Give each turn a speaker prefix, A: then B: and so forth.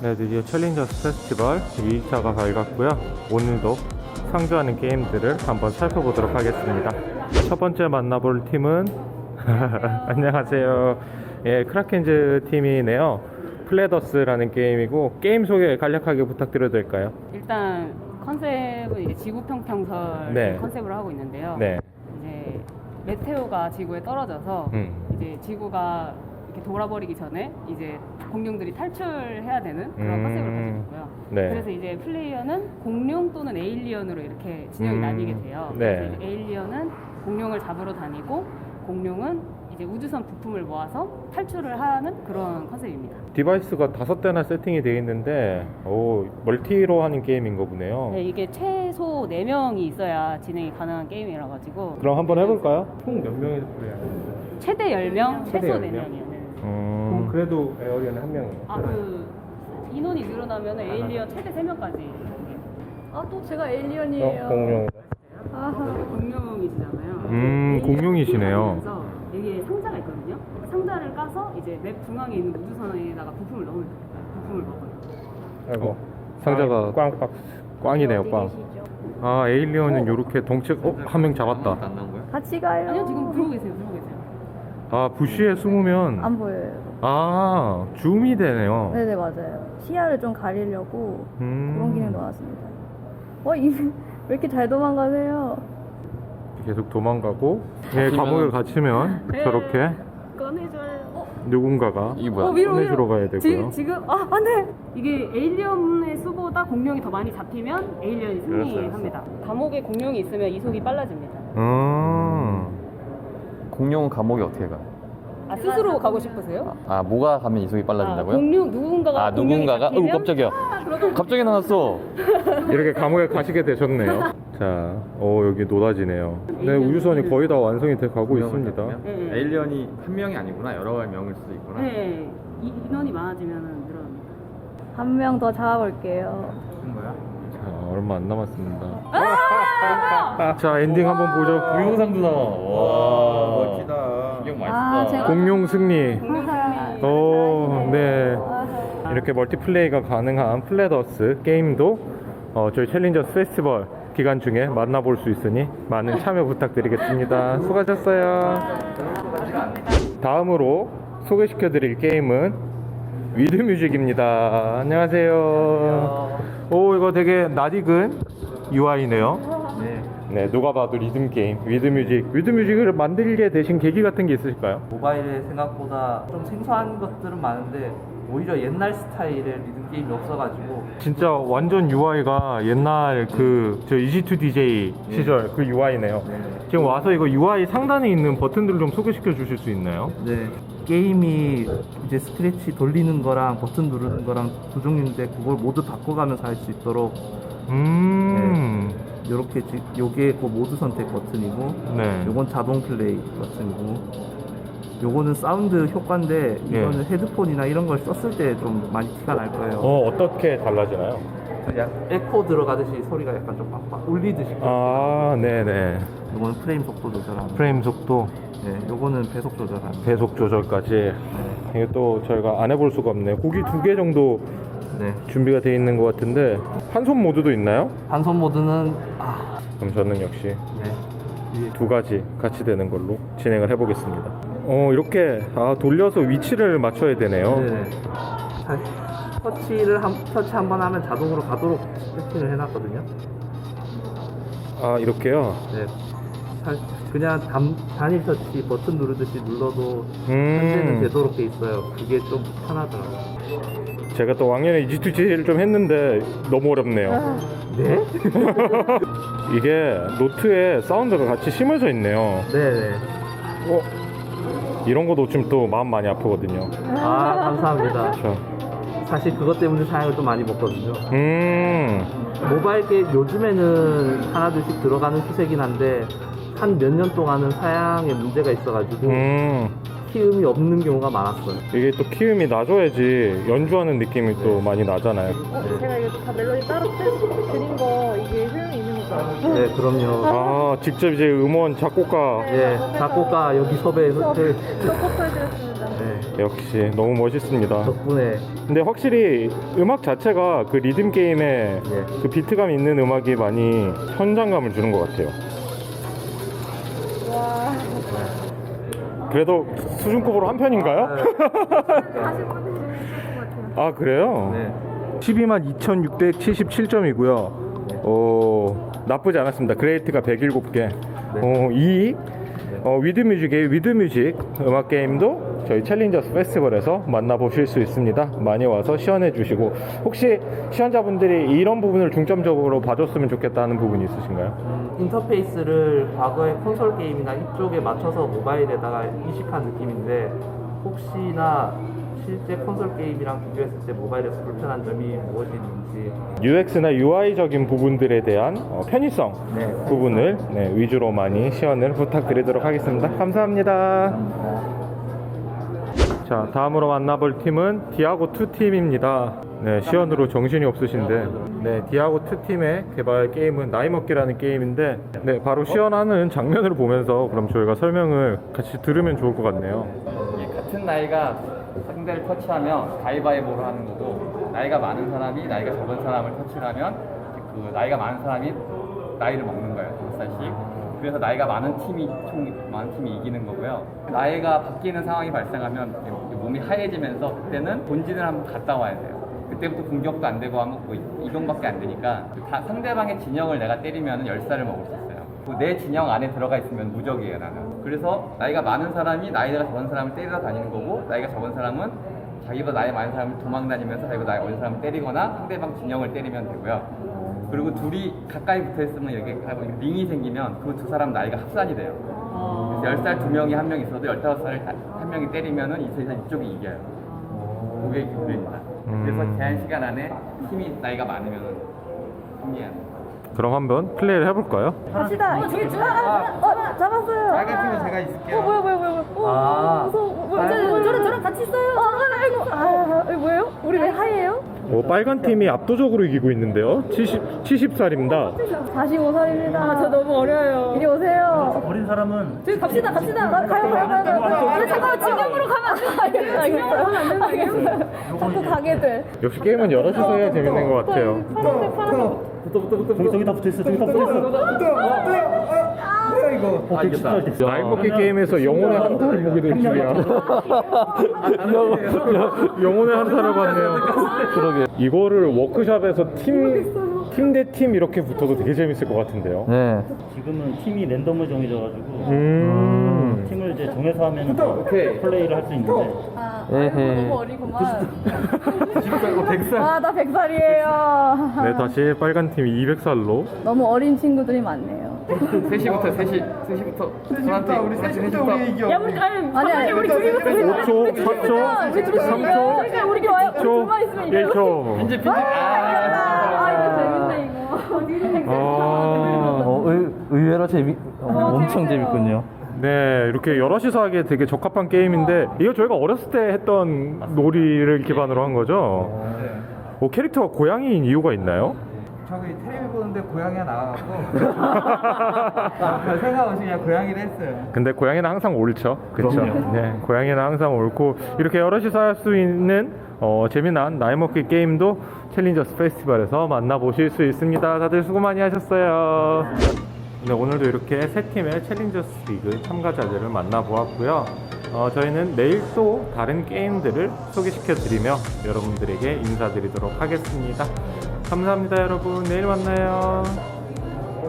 A: 네, 드디어 챌린저스 페스티벌 2일차가 밝았고요. 오늘도 상주하는 게임들을 한번 살펴보도록 하겠습니다. 첫 번째 만나볼 팀은 안녕하세요. 예, 크라켄즈 팀이네요. 플레더스라는 게임이고, 게임 소개 간략하게 부탁드려도 될까요?
B: 일단 컨셉은 이제 지구 평평설
A: 네.
B: 컨셉으로 하고 있는데요.
A: 네.
B: 이제 메테오가 지구에 떨어져서 이제 지구가 이렇게 돌아버리기 전에 이제 공룡들이 탈출해야 되는 그런 컨셉을 가지고 있고요.
A: 네.
B: 그래서 이제 플레이어는 공룡 또는 에일리언으로 이렇게 진영이 나뉘게 돼요.
A: 네.
B: 그래서 이제 에일리언은 공룡을 잡으러 다니고, 공룡은 이제 우주선 부품을 모아서 탈출을 하는 그런 컨셉입니다.
A: 디바이스가 5대나 세팅이 되어 있는데, 오, 멀티로 하는 게임인 거 보네요.
B: 네, 이게 최소 4명이 있어야 진행이 가능한 게임이라 가지고.
A: 그럼 한번 해볼까요? 총 몇 명이서 플레이하는 거예요?
B: 최대 10명,
A: 최대
B: 최소
A: 10명?
B: 4명이요. 네.
A: 그래도 에어리언은 한 명이에요.
B: 인원이 늘어나면 에일리언 최대 3명까지.
C: 아, 또 제가 에일리언이에요.
A: 공룡.
C: 아하.
B: 공룡이시잖아요.
A: 공룡이시네요.
B: 그래서 여기에 상자가 있거든요. 상자를 까서 이제 맵 중앙에 있는 우주선에다가 부품을 넣으면 돼요. 부품을 먹어요.
A: 아이고, 상자가 꽝이네요, 꽝. 아, 에일리언은 요렇게 덩치, 한 명 잡았다.
C: 같이 가요.
B: 아니요, 지금 들어오고 계세요. 들어오고 계세요.
A: 아, 부시에 숨으면,
C: 안 보여요.
A: 아, 줌이 되네요.
C: 네네, 맞아요. 시야를 좀 가리려고 그런 기능 넣었습니다. 왜 이렇게 잘 도망가세요?
A: 계속 도망가고, 예, 감옥에 갇히면 저렇게
B: 꺼내줘요.
A: 누군가가 꺼내주러 가야 되고요.
C: 지금, 안 돼!
B: 이게 에일리언의 수보다 공룡이 더 많이 잡히면 에일리언이 승리합니다. 감옥에 공룡이 있으면 이속이 빨라집니다.
D: 공룡은 감옥에 어떻게 가요?
B: 스스로 가고 싶으세요?
D: 뭐가 가면 이속이 빨라진다고요?
B: 공룡 누군가가
D: 누군가가?
B: 공룡이 잡히면
D: 깜짝이야. 갑자기 나왔어.
A: 이렇게 감옥에 가시게 되셨네요. 자, 여기 노다지네요. 네, 우주선이 거의 다 완성이 돼 가고 있습니다.
B: 네.
E: 에일리언이 한 명이 아니구나, 여러 명일 수도 있구나.
B: 네, 인원이 많아지면 늘어납니다.
C: 한 명 더 잡아볼게요.
E: 무슨 거야?
A: 자, 얼마 안 남았습니다. 자, 엔딩 한번 보죠.
D: 동영상도 나와. 와,
E: 멋지다.
D: 이거 맛있다.
C: 제가
A: 공룡 승리.
C: 아하.
A: 오, 네.
C: 아하.
A: 이렇게 멀티플레이가 가능한 플레더스 게임도 저희 챌린저스 페스티벌 기간 중에 만나볼 수 있으니 많은 참여 부탁드리겠습니다. 수고하셨어요. 다음으로 소개시켜드릴 게임은 위드뮤직입니다. 안녕하세요. 오, 이거 되게 낯익은 UI네요. 네, 누가 봐도 리듬 게임, 위드뮤직. 위드뮤직을 만들게 되신 계기 같은 게 있으실까요?
F: 모바일에 생각보다 좀 생소한 것들은 많은데 오히려 옛날 스타일의 리듬 게임이 없어가지고
A: 진짜 완전 UI가 옛날 저 EG2DJ 시절 그 UI네요. 지금 와서 이거 UI 상단에 있는 버튼들을 좀 소개시켜 주실 수 있나요?
F: 네, 게임이 이제 스크래치 돌리는 거랑 버튼 누르는 거랑 두 종류인데 그걸 모두 바꿔가면서 할 수 있도록 이렇게 요게 그 모드 선택 버튼이고
A: 네.
F: 요건 자동 플레이 버튼이고 요거는 사운드 효과인데 이거는 헤드폰이나 이런 걸 썼을 때 좀 많이 티가 날 거예요.
A: 어떻게 달라지나요?
F: 에코 들어가듯이 소리가 약간 좀 빡빡 울리듯이.
A: 아, 네네.
F: 요거는 프레임 속도 조절하는.
A: 프레임 속도,
F: 네, 요거는 배속 조절하는.
A: 배속 조절까지. 이게 또 저희가 안 해볼 수가 없네요. 고기 2개 정도
F: 네.
A: 준비가 되어 있는 것 같은데, 한 손 모드도 있나요?
F: 한손 모드는
A: 그럼 저는 역시
F: 네.
A: 2가지 같이 되는 걸로 진행을 해보겠습니다. 이렇게 돌려서 위치를 맞춰야 되네요.
F: 네. 터치 한 번 하면 자동으로 가도록 세팅을 해놨거든요.
A: 아, 이렇게요?
F: 네. 그냥 단일 터치 버튼 누르듯이 눌러도 현재는 되도록 돼 있어요. 그게 좀 편하더라고요.
A: 제가 또 왕년에 EG2G를 좀 했는데 너무 어렵네요.
F: 네?
A: 이게 노트에 사운드가 같이 심어져 있네요.
F: 네네.
A: 이런 거 놓치면 또 마음 많이 아프거든요.
F: 감사합니다.
A: 그렇죠.
F: 사실 그것 때문에 사양을 좀 많이 먹거든요. 모바일 게임 요즘에는 하나둘씩 들어가는 추세긴 한데 한 몇 년 동안은 사양에 문제가 있어가지고 키움이 없는 경우가 많았어요.
A: 이게 또 키움이 나줘야지 연주하는 느낌이 또 많이 나잖아요.
C: 제가 이거 다 멜로디 따로 드린 거 이게 효용이 있는 거죠?
F: 네, 그럼요.
A: 아, 직접 이제 음원 작곡가.
F: 예, 작곡가 여기 섭외해서
C: 서포터 해드렸습니다.
F: 네,
A: 역시 너무 멋있습니다.
F: 덕분에
A: 근데 확실히 음악 자체가 그 리듬 게임에 그 비트감 있는 음악이 많이 현장감을 주는 것 같아요.
C: 와.
A: 그래도 수준급으로 한 편인가요?
C: 하신 분들이 있을 것 같아요.
A: 아, 그래요?
F: 네.
A: 122,677점이고요. 나쁘지 않았습니다. 그레이트가 107개. 이 위드뮤직의 위드뮤직 음악 게임도 저희 챌린저스 페스티벌에서 만나보실 수 있습니다. 많이 와서 시연해 주시고, 혹시 시연자분들이 이런 부분을 중점적으로 봐줬으면 좋겠다는 부분이 있으신가요?
F: 인터페이스를 과거의 콘솔 게임이나 이쪽에 맞춰서 모바일에다가 이식한 느낌인데 혹시나 실제 콘솔 게임이랑 비교했을 때 모바일에서 불편한 점이 무엇이 있는지
A: UX나 UI적인 부분들에 대한 편의성
F: 네.
A: 부분을 위주로 많이 시연을 부탁드리도록 하겠습니다. 감사합니다. 자, 다음으로 만나볼 팀은 디아고2 팀입니다. 네, 시연으로 정신이 없으신데, 네, 디아고2 팀의 개발 게임은 나이 먹기라는 게임인데, 네, 바로 시연하는 장면을 보면서 그럼 저희가 설명을 같이 들으면 좋을 것 같네요.
E: 같은 나이가 상대를 터치하면 가위바위보로 하는 거고, 나이가 많은 사람이 나이가 적은 사람을 터치를 하면 그 나이가 많은 사람이 나이를 먹는 거예요. 5살씩. 그래서 나이가 많은 팀이 이기는 거고요. 나이가 바뀌는 상황이 발생하면 몸이 하얘지면서 그때는 본진을 한번 갔다 와야 돼요. 그때부터 공격도 안 되고 하면 뭐 이동밖에 안 되니까 상대방의 진영을 내가 때리면 10살을 먹을 수 있어요. 내 진영 안에 들어가 있으면 무적이에요, 나는. 그래서 나이가 많은 사람이 나이가 적은 사람을 때리러 다니는 거고, 나이가 적은 사람은 자기보다 나이 많은 사람을 도망다니면서 자기보다 나이 어린 사람을 때리거나 상대방 진영을 때리면 되고요. 그리고 둘이 가까이 붙어 있으면 이렇게 링이 생기면 그 두 사람 나이가 합산이 돼요. 그래서 10살 두 명이 한 명 있어도 15살 한 명이 때리면은 이쪽이 이겨요. 그게 기술입니다. 그래서 제한 시간 안에 팀이 나이가 많으면 승리해요.
A: 그럼 한번 플레이를 해볼까요?
C: 갑시다. 잡았어요.
E: 빨간 팀은 제가 있을게요.
C: 뭐야. 무서워. 저랑 같이 있어요. 이거 뭐예요? 우리 왜 하얘요?
A: 빨간 팀이 압도적으로 이기고 있는데요. 70살입니다.
C: 45살입니다. 저 너무 어려요. 이리 오세요.
G: 어린 사람은
C: 저기 갑시다. 가요. 잠깐만, 진영으로 가면 안 돼. 알겠어요. 자꾸 가게 돼.
A: 역시 게임은 여럿이서 해야 재밌는 것 같아요.
G: 저기 다 붙어있어. 저기 다 붙어있어.
A: 나이 먹기 게임에서 영혼의 한타를 보게 될 줄이야. 영혼의 한타를 봤네요.
D: 그러게.
A: 이거를 워크숍에서 팀 대 팀 이렇게 붙어도 되게 재밌을 것 같은데요.
D: 네.
G: 지금은 팀이 랜덤으로 정해져가지고 팀을 이제 정해서 하면 플레이를 할 수 있는데
D: 에헤.
C: 너무 어리구만. 나 100살이에요.
A: 네, 다시 빨간 팀이 200살로.
C: 너무 어린 친구들이 많네요.
E: 3시부터 우리 3시부터 이겨.
C: 아니 우리 둘이부터
A: 5초, 4초, 3초,
C: 우리 좋아요.
A: 2초,
C: 둘만 있으면 이겨요.
A: 1초.
E: 빈집
C: 이거 재밌네 이거.
D: 의외로 엄청 재밌군요.
A: 네, 이렇게 여럿이서 하기에 되게 적합한 게임인데, 이거 저희가 어렸을 때 했던 놀이를 기반으로 한 거죠? 캐릭터가 고양이인 이유가 있나요?
E: 저기 텔레비 보는데 고양이가 나와갖고 별 생각 없이 그냥 고양이를 했어요.
A: 근데 고양이는 항상 옳죠. 그렇죠.
G: 그럼요.
A: 네, 고양이는 항상 옳고, 이렇게 여럿이서 할 수 있는 재미난 나이 먹기 게임도 챌린저스 페스티벌에서 만나보실 수 있습니다. 다들 수고 많이 하셨어요. 네, 오늘도 이렇게 세 팀의 챌린저스 리그 참가자들을 만나보았고요. 저희는 내일 또 다른 게임들을 소개시켜드리며 여러분들에게 인사드리도록 하겠습니다. 감사합니다, 여러분. 내일 만나요.